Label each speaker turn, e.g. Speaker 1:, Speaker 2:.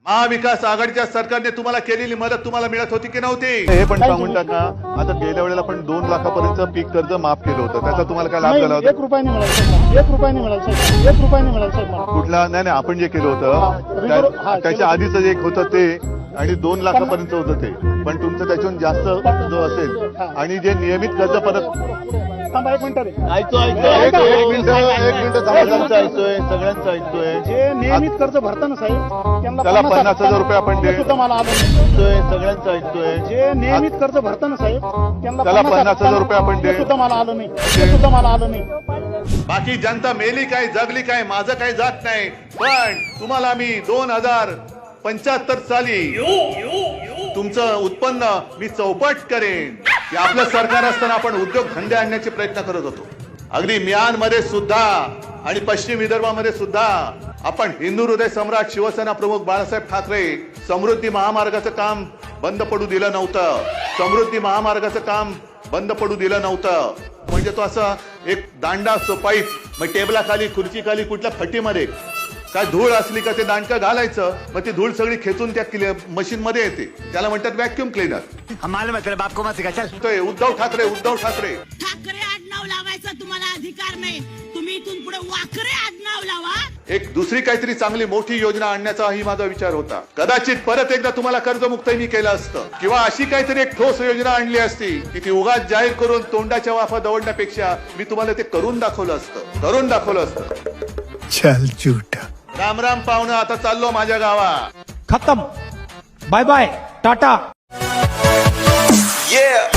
Speaker 1: महाविकास आघाडीच्या सरकारने तुम्हाला केलेली मदत तुम्हाला मिळत होती की नव्हती?
Speaker 2: हे पण सांगून टाका, आता गेल्या वेळेला पण 2 लाखापर्यंत पीक कर्ज माफ केलं होतं, त्याचा तुम्हाला काय लाभ झाला होता?
Speaker 3: 1 रुपयाने मिळालं साहेब, 1 रुपयाने मिळालं साहेब, 1 रुपयाने मिळालं साहेब मला.
Speaker 2: कुठला? नाही नाही, आपण जे केलं होतं त्याच्या आधीच एक होतं ते, आणि 2 लाखापर्यंत होतं ते, पण तुमचं त्याच्याहून जास्त जो असेल, आणि जे नियमित कर्ज परत.
Speaker 3: थांबा 1 मिनिट रे.
Speaker 2: एक मिनिट सगळ्यांचं ऐकतोय.
Speaker 3: जे नियमित कर्ज भरताना साहेब त्यांना
Speaker 2: त्याला 50,000 रुपये आपण
Speaker 3: ते सुद्धा मला आलं नाही.
Speaker 2: सगळ्यांचं ऐकतोय.
Speaker 3: जे नियमित कर्ज भरताना साहेब त्यांना
Speaker 2: त्याला 50,000 रुपये आपण
Speaker 3: ते सुद्धा मला आलं नाही, ते सुद्धा मला आलं नाही.
Speaker 1: बाकी जनता मेली काय जगली काय माझं काही जात नाही, पण तुम्हाला मी 2075 साली तुमचं उत्पन्न मी चौपट करेन. की आपलं सरकार असताना आपण उद्योग धंदे आणण्याचे प्रयत्न करत होतो. अगदी म्यानमध्ये सुद्धा आणि पश्चिम विदर्भामध्ये सुद्धा आपण हिंदू हृदय सम्राट शिवसेना प्रमुख बाळासाहेब ठाकरे समृद्धी महामार्गाचं काम बंद पडू दिलं नव्हतं. समृद्धी महामार्गाचं काम बंद पडू दिलं नव्हतं. म्हणजे तो असा एक दांडा असतो पाईप, मग टेबलाखाली खुर्चीखाली कुठल्या फटीमध्ये काय धूळ असली का ते दांडकं घालायचं, मग ती धूळ सगळी खेचून त्या मशीन मध्ये येते, त्याला म्हणतात व्हॅक्युम क्लीनर. उद्धव ठाकरे
Speaker 4: ठाकरे आडनाव लावायचा तुम्हाला अधिकार नाही, तुम्ही इथून पुढे वाकरे आडनाव लावा.
Speaker 1: एक दुसरी काहीतरी चांगली मोठी योजना आणण्याचाही माझा विचार होता. कदाचित परत एकदा तुम्हाला कर्जमुक्तही मी केलं असतं, किंवा अशी काहीतरी एक ठोस योजना आणली असती की ती उगाच जाहीर करून तोंडाच्या वाफा दवडण्यापेक्षा मी तुम्हाला ते करून दाखवलं असतं.
Speaker 5: चल झूठा.
Speaker 1: राम राम पाहुणं, आता चाललो माझ्या गावा.
Speaker 6: खत्म. Bye bye tata.
Speaker 7: Yeah.